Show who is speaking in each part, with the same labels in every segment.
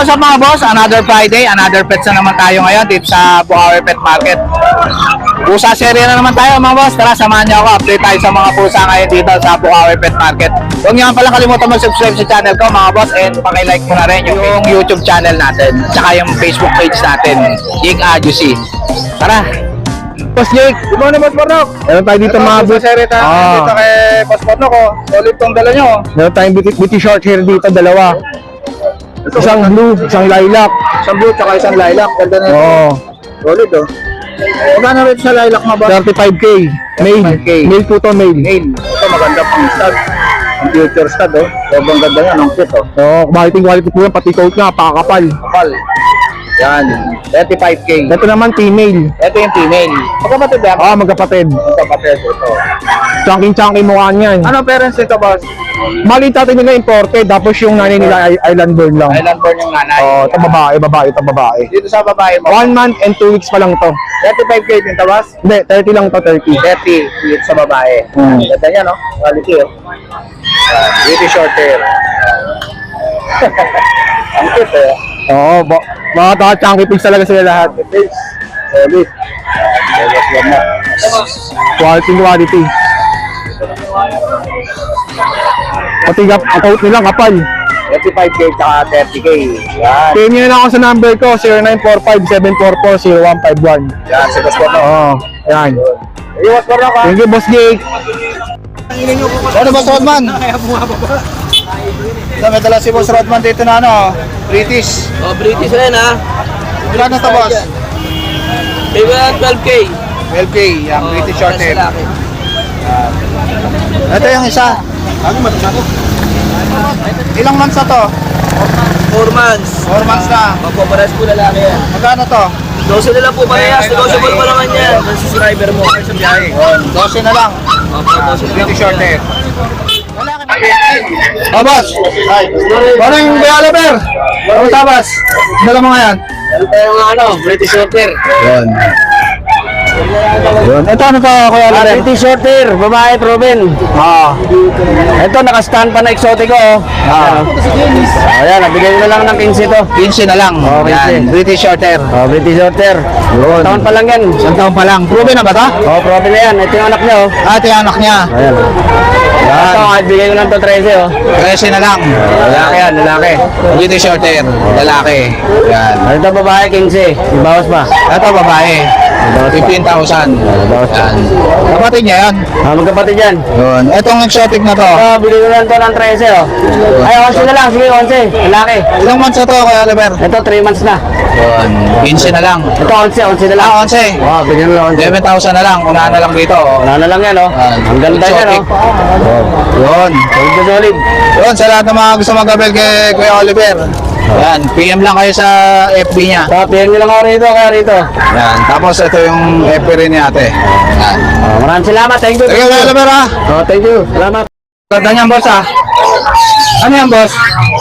Speaker 1: what's up mga boss? Another Friday, another pets na naman tayo ngayon dito sa Bukawi Pet Market. Pusa serye na naman tayo mga boss. Tara, samahan niyo ako. Update tayo sa mga pusa ngayon dito sa Bukawi Pet Market. Huwag niyo pala kalimutan mag-subscribe sa channel ko mga boss, and pakilike mo na rin yung YouTube channel natin, tsaka yung Facebook page natin, Jake Adjusi. Tara!
Speaker 2: Boss Jake,
Speaker 1: Good morning, Boss Pornok.
Speaker 2: meron tayo dito mga
Speaker 1: Pusa serye tayo dito kay Boss Pornok. Solid tong dala nyo.
Speaker 2: meron tayong beauty short hair dito, dalawa. Isang blue, isang lilac.
Speaker 1: Isang blue tsaka isang lilac. Ganda na ito.
Speaker 2: Oo.
Speaker 1: Solid oh. Magkano rin sa lilac mga boss?
Speaker 2: 35k. Male.
Speaker 1: 35K.
Speaker 2: Male po to, male.
Speaker 1: Nail. Ito maganda pang stud. Ang future stud oh. Sobrang ganda yan. Ang cute oh.
Speaker 2: Oo, quality po yan, pati coat nga, pakakapal.
Speaker 1: Kapal. Yan. 35K.
Speaker 2: Ito naman female.
Speaker 1: Ito yung female. Magkapatid ba?
Speaker 2: Oo, magkapatid.
Speaker 1: Magkapatid ito.
Speaker 2: Chunky mukha niyan.
Speaker 1: Ano parents nito boss?
Speaker 2: Mali tatay nila imported, tapos yung nanay nila ay island born lang.
Speaker 1: Island born yung nanay.
Speaker 2: Oo, ito babae.
Speaker 1: Dito sa babae mo.
Speaker 2: 1 month and 2 weeks pa lang to.
Speaker 1: 35K din to boss?
Speaker 2: Hindi, 30 lang to, 30.
Speaker 1: 30 dito sa babae. Ganda niya no? Quality oh. Beauty short hair. Ang cute eh.
Speaker 2: Oo, mga chunky pigs talaga sila lahat.
Speaker 1: Solid.
Speaker 2: Quality. Pati ang coat nila kapal.
Speaker 1: 35K tsaka 30K. Yan.
Speaker 2: Pay nyo na lang ako sa number ko, 0945-744-0151.
Speaker 1: Yan, si Boss Porno.
Speaker 2: Oo, yan.
Speaker 1: Iwas Porno ka.
Speaker 2: Thank you, Boss Jake.
Speaker 1: Ano Boss Rodman? May dala si Boss Rodman dito na ano, British.
Speaker 3: Oh, British rin ha.
Speaker 1: Ilan na to boss?
Speaker 3: Bigyan ng 12K.
Speaker 1: 12K, yung British short hair.
Speaker 3: Lalaki.
Speaker 1: Ito yung isa. Ilang months na to?
Speaker 3: 4 months.
Speaker 1: 4 months na.
Speaker 3: Magpaparas po lalaki yan.
Speaker 1: Magkano to?
Speaker 3: 12 na lang po parehas. Negotiable pa naman yan. Ang subscriber mo.
Speaker 1: 12 na lang.
Speaker 3: Opo, 12 na lang.
Speaker 1: British short hair. Oh, boss. Morning, Kuya Oliver. Kamusta, boss? Dala mo ngayon?
Speaker 3: Ito yung ano, British Shorter.
Speaker 1: Yun. Ito ano to, Kuya Oliver?
Speaker 3: British Shorter, babae proven.
Speaker 1: Oo.
Speaker 3: Ito, naka-stand pa na exotic ko. Ayan, nabigay na lang ng 15 to.
Speaker 1: 15 na lang.
Speaker 3: Oh, 15.
Speaker 1: Yan, British short hair.
Speaker 3: Oh, British Shorter.
Speaker 1: Yun.
Speaker 3: Taon pa lang yan.
Speaker 1: Isang taon pa lang. Proven na ba to?
Speaker 3: Oh, proven na yan. Ito yung anak niya oh.
Speaker 1: Ito yung anak niya.
Speaker 3: Ayan. Ito, kahit bigay ko lang to 13 oh.
Speaker 1: 13 na lang.
Speaker 3: Lalaki yan, lalaki.
Speaker 1: British short hair. Lalaki. Yan.
Speaker 3: Ano ito babae, 15. Ibawas pa.
Speaker 1: Ito babae. 15,000. Yan. Kapatid niya yan.
Speaker 3: Magkapatid yan.
Speaker 1: Yun. Itong exotic na to.
Speaker 3: Bili ko lang to ng 13 oh. Ay, 11 na lang. Sige, 11. Lalaki.
Speaker 1: Ilang months na to, Kuya Oliver?
Speaker 3: Ito, 3 months na.
Speaker 1: Yun. 15 na lang.
Speaker 3: Ito, 11 na lang.
Speaker 1: 11.
Speaker 3: Oh, bigyan mo lang 11.
Speaker 1: 11,000 na lang. Unahan na lang dito.
Speaker 3: Wala na lang yan oh. Ang ganda yan oh.
Speaker 1: Yun.
Speaker 3: Solid na solid.
Speaker 1: Yun, sa lahat ng mga gusto mag-abel kay Kuya Oliver. Yan, PM lang kayo sa FB niya.
Speaker 3: Tapos, nyo lang ako rito, kaya rito.
Speaker 1: Yan, tapos ito yung FB rin ni ate. Yan.
Speaker 3: Maraming salamat. Thank you.
Speaker 1: Sige, Kuya Oliver ha.
Speaker 3: Oh, thank you. Salamat.
Speaker 1: Ganda niyan, boss ha. Ano yan, boss?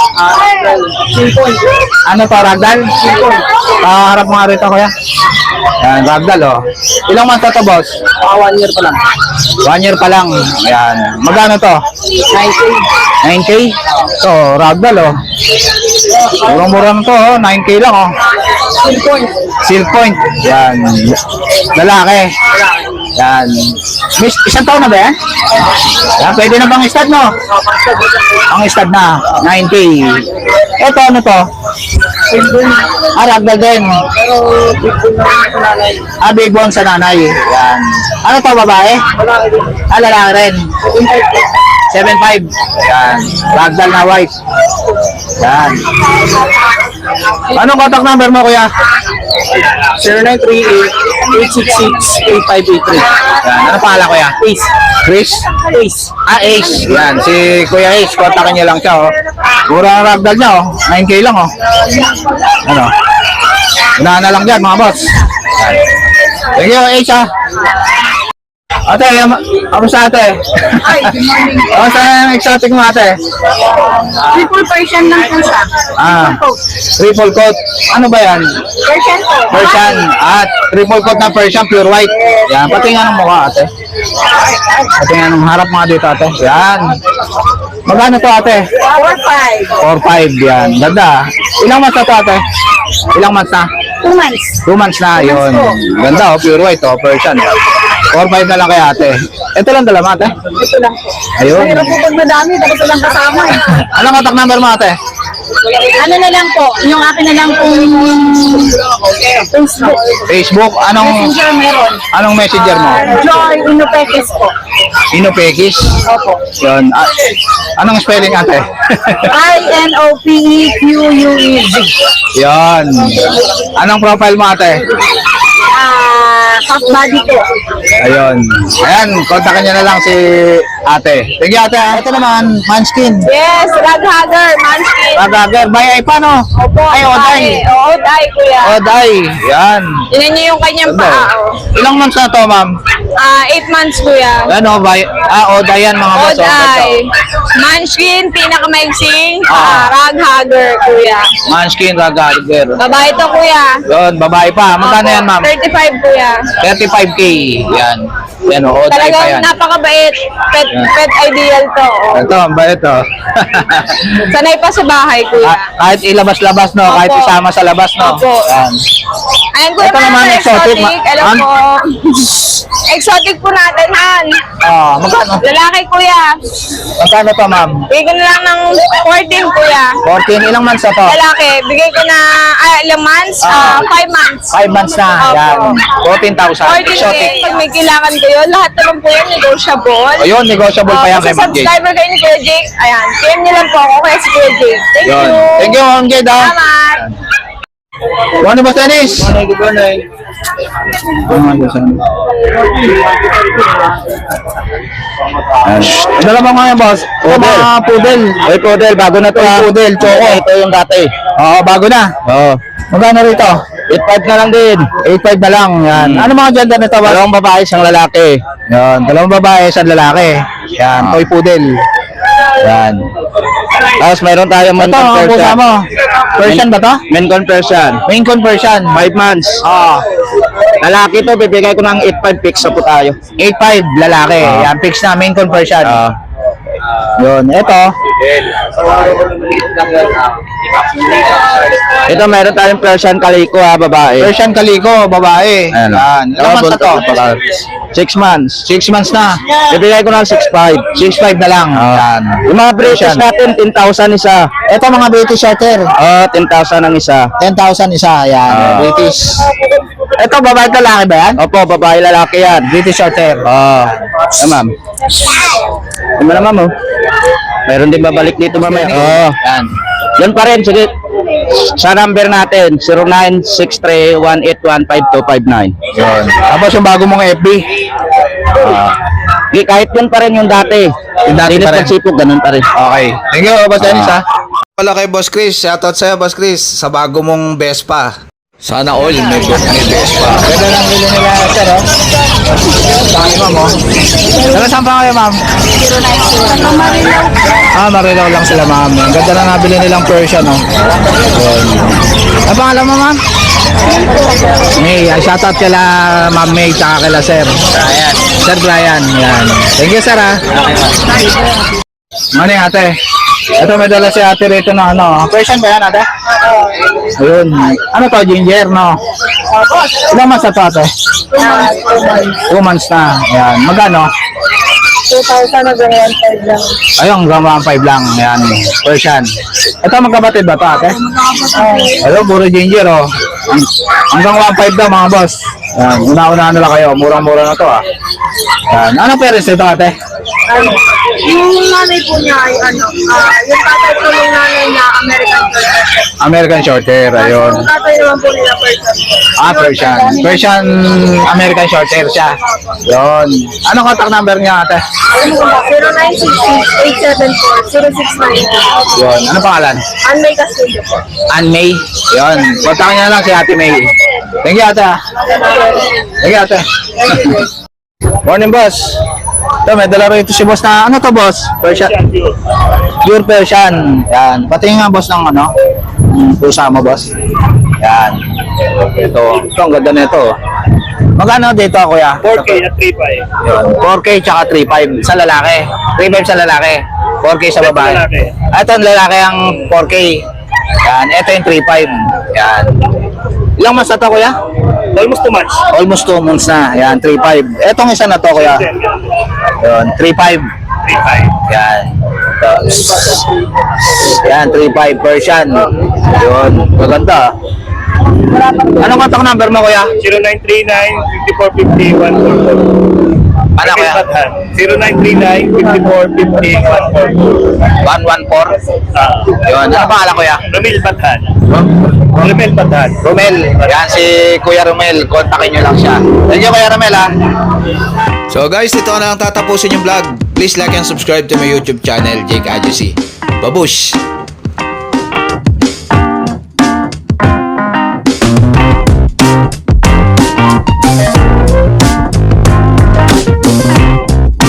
Speaker 1: Ano to, ragdoll? Harap mo nga rito, kuya. Yan, ragdoll oh. Ilang months na to, boss?
Speaker 3: 1 year pa lang.
Speaker 1: 1 year pa lang. Ayan. Magkano to?
Speaker 3: 9K.
Speaker 1: 9K? So, ragdoll oh. Murang-mura na to oh. 9K lang oh. Silk point. Yan. Lalaki. Yan. Miss, isang taon na ba yan? Yan, pwede na bang stud no? Ang stud na. 9K. Ito ano to? Ragdoll din. Big bone sa nanay. Yan. Ano to, babae? Lalaki rin. 7.5. Yan. Ragdoll na white. Yan. Anong contact number mo, kuya? 0938-866-8583. Yan. Ano pangalan, kuya? Ace. Chris? Ace. Ace. Yan. Si Kuya Ace. Kontakin niyo lang siya, oh. Mura ang ragdoll niya, oh. 9K lang, oh. Ano? Unahan na lang dyan, mga boss. Yan. Thank you, Ace, ha. Ate, kamusta ate?
Speaker 4: Hi, good morning.
Speaker 1: Kamusta yung exotic mo ate?
Speaker 4: Triple Persian lang po siya.
Speaker 1: Triple coat. Ano ba yan?
Speaker 4: Persian po.
Speaker 1: Persian. Triple coat na Persian, pure white. Yan, pati nga ng mukha ate. Pati nga ng harap mga dito ate. Yan. Magkano to ate?
Speaker 4: 4-5.
Speaker 1: 4-5 yan. Ganda. Ilang months na to ate? Ilang months na?
Speaker 4: 2 months.
Speaker 1: 2 months na, yun. Ganda, pure white, Persian. 4-5 na lang kay ate. Ito lang dala mo ate?
Speaker 4: Ito lang po.
Speaker 1: Ayun.
Speaker 4: Pero po pag madami, dapat ito lang kasama eh.
Speaker 1: Anong contact number mo ate?
Speaker 4: Ano na lang po, yung akin na lang pong Facebook.
Speaker 1: Facebook,
Speaker 4: Messenger meron.
Speaker 1: anong messenger mo?
Speaker 4: Joy Inopekes po.
Speaker 1: Inopekis?
Speaker 4: Opo.
Speaker 1: Yun. Anong spelling ate?
Speaker 4: INOPEQUEZ.
Speaker 1: Yun. Anong profile mo ate?
Speaker 4: Half body po.
Speaker 1: Ayun. Ayan, kontakin niya na lang si ate. Sige ate, ito naman, Manskin.
Speaker 4: Yes, Raghagger, Manskin.
Speaker 1: Ragager, bay ay paano?
Speaker 4: Opo,
Speaker 1: Ay, Oday.
Speaker 4: Oday, kuya.
Speaker 1: Oday. Yan.
Speaker 4: Tinan niyo yung kanyang
Speaker 1: Ganda.
Speaker 4: paa. Oh.
Speaker 1: Ilang months na to, ma'am?
Speaker 4: 8 months, kuya.
Speaker 1: Ano, bay? Oday yan mga boss.
Speaker 4: Oday. Manskin, pinakamaiksing.
Speaker 1: Ah.
Speaker 4: Raghagger, kuya.
Speaker 1: Manskin, Ragager.
Speaker 4: Babae to, kuya.
Speaker 1: Yun, babae pa. Magkano
Speaker 4: Opo,
Speaker 1: yan, ma'am?
Speaker 4: 35, kuya.
Speaker 1: 35K. Yan. Yan, Oday pa
Speaker 4: Talagang
Speaker 1: yan.
Speaker 4: napakabait. Pet,
Speaker 1: Yan.
Speaker 4: pet ideal to. Oh.
Speaker 1: Ito, ang bait to.
Speaker 4: Sanay pa sa bahay, kuya.
Speaker 1: Kahit ilabas-labas, no? Kahit
Speaker 4: Opo.
Speaker 1: isama sa labas, no?
Speaker 4: Opo.
Speaker 1: Yan.
Speaker 4: Ayan, kuya,
Speaker 1: Ito naman,
Speaker 4: mga
Speaker 1: exotic.
Speaker 4: Hello
Speaker 1: Ma'am?
Speaker 4: po. Exotic po natin, Han.
Speaker 1: Magkano?
Speaker 4: Lalaki, kuya.
Speaker 1: Magkano to, ma'am?
Speaker 4: Bigay ko na lang ng 14, kuya.
Speaker 1: 14, ilang months na to?
Speaker 4: Lalaki, bigay ko na ilang months? 5 months.
Speaker 1: 5 months na.
Speaker 4: Opo.
Speaker 1: Yan. 14,000.
Speaker 4: 14K.
Speaker 1: Exotic.
Speaker 4: Pag may kailangan kayo, lahat naman po yan negotiable.
Speaker 1: Ayun, negotiable pa yan
Speaker 4: Kung
Speaker 1: kay Ma'am Jade.
Speaker 4: subscriber kayo ni Kuya Jake, ayan, PM niyo lang po ako kaya si Kuya Jake. Thank
Speaker 1: Yun.
Speaker 4: you.
Speaker 1: Thank you, Ma'am Jade. ah.
Speaker 4: Salamat.
Speaker 1: Ano ba, Dennis? Dala mo nga yan, boss. Ito mga poodle.
Speaker 3: Ay, Poodle, bago na to.
Speaker 1: Ay, poodle, choco.
Speaker 3: Ito yung dati.
Speaker 1: Oo, bago na.
Speaker 3: Oo.
Speaker 1: Magkano rito?
Speaker 3: 8.5 na lang din.
Speaker 1: 8.5 na lang. Yan. Ano mga gender nito, boss?
Speaker 3: Dalawang babae, isang lalaki.
Speaker 1: Yan. Dalawang babae, isang lalaki. Yan. Toy poodle.
Speaker 3: Yan. Tapos mayroon tayong
Speaker 1: Ito, ang pusa mo. Persian ba to?
Speaker 3: Main conversion.
Speaker 1: Main conversion.
Speaker 3: 5 months.
Speaker 1: Ah,
Speaker 3: Lalaki to, bibigay ko ng 8.5 fix sa po tayo.
Speaker 1: 8.5 lalaki. Yan, fix na. Main conversion. Yun. Ito.
Speaker 3: Ito, meron tayong Persian Calico ha, babae.
Speaker 1: Persian Calico, babae.
Speaker 3: Ayan.
Speaker 1: Yan. Ilang months na to?
Speaker 3: 6 months.
Speaker 1: 6 months na.
Speaker 3: Bibigay ko ng 6.5.
Speaker 1: 6.5 na lang. Yan.
Speaker 3: Yung mga British
Speaker 1: Persian.
Speaker 3: natin, 10,000 isa.
Speaker 1: Ito mga British Shorter.
Speaker 3: 10,000 ang isa.
Speaker 1: 10,000 isa. Yan. British. Ito, babae at lalaki ba yan?
Speaker 3: Opo, babae, lalaki yan.
Speaker 1: British Shorter.
Speaker 3: Ma'am. Ano na, ma'am, oh. Meron din babalik dito, mamaya.
Speaker 1: Yan.
Speaker 3: Yan pa rin, sige. Sa number natin, 0963-181-5259.
Speaker 1: Yun. Tapos yung bago mong FB.
Speaker 3: Di, kahit yun pa rin yung dati.
Speaker 1: Yung dati
Speaker 3: Dinis
Speaker 1: pa rin.
Speaker 3: Pagsipog, ganun pa rin.
Speaker 1: Okay. Thank you, Boss Dennis, ha.
Speaker 5: Wala kay Boss Chris. Shoutout sa'yo, Boss Chris, sa bago mong Vespa.
Speaker 1: Sana all may Vespa. Ganda lang bilhin nila, sir, oh. Saan ma'am, oh. Taga saan pa kayo, ma'am? Marilaw lang sila, ma'am. Ang ganda na nabili nilang Persian, oh. Yun. Ano pangalan mo, ma'am? May, shoutout kila Ma'am May, tsaka kila Sir. Brian. Sir Brian, yan. Thank you, sir, ha. Morning, ate. Ito, may dala si ate rito na ano. Persian ba yan, ate? Ayun. Ano to, ginger, no? Ilang months na to, ate? 2 months na. Yan. Magkano?
Speaker 4: 2,000 na 1.5 lang.
Speaker 1: Ayun, hanggang 1.5 lang. Yan. Persian. Ito, magkapatid ba to, ate? Ayun, puro ginger, oh. Hanggang 1.5 daw, mga boss. Yan. Una-una na lang kayo. Murang-mura na to, ah. Yan. Ano parents nito, ate?
Speaker 4: Yung nanay po niya ay yung tatay po ng nanay niya, American Shorter.
Speaker 1: American Shorter. Ayun.
Speaker 4: Yung tatay naman po nila, Persian.
Speaker 1: Persian. Persian American Shorthair siya. Yun. Anong contact number niya, ate?
Speaker 4: 0966-874-0692.
Speaker 1: Yun. Ano pangalan?
Speaker 4: Anmay Castillo po.
Speaker 1: Ann May. Yun. Kontakin niya na lang si Ate May. Thank you, ate. Thank you, ate. Morning, boss. Ito, may dala rito si boss na, ano to, boss? Persian. Pure Persian. Yan. Pati nga, boss, ng ano? Pusa mo, boss. Yan. Ito. Ito, ang ganda nito. Magkano dito, kuya?
Speaker 3: 4K at 3.5.
Speaker 1: Yun. 4K tsaka 3.5 sa lalaki. 3.5 sa lalaki. 4K sa babae. Ito ang lalaki ang 4K. Yan, ito yung 3.5. Yan. Ilang months na to, kuya?
Speaker 3: Almost 2 months.
Speaker 1: Almost 2 months na. Yan, 3.5. Etong isa na to, kuya. Yan, 3.5.
Speaker 3: 3.5.
Speaker 1: Yan. Yan, 3.5 Persian. Yun, maganda. Anong contact number mo, kuya?
Speaker 3: 0939-5450-144.
Speaker 1: Ano, kuya?
Speaker 3: 0939-5450-144.
Speaker 1: 114. Yun, ano pangalan, kuya?
Speaker 3: Romel Bathan. Romel Bathan.
Speaker 1: Romel. Yan, si Kuya Romel. Kontakin nyo lang siya. Thank you, Kuya Romel, ha?
Speaker 5: So guys, dito na lang tatapusin yung vlog. Please like and subscribe to my YouTube channel, Jake Adjusi. Babush!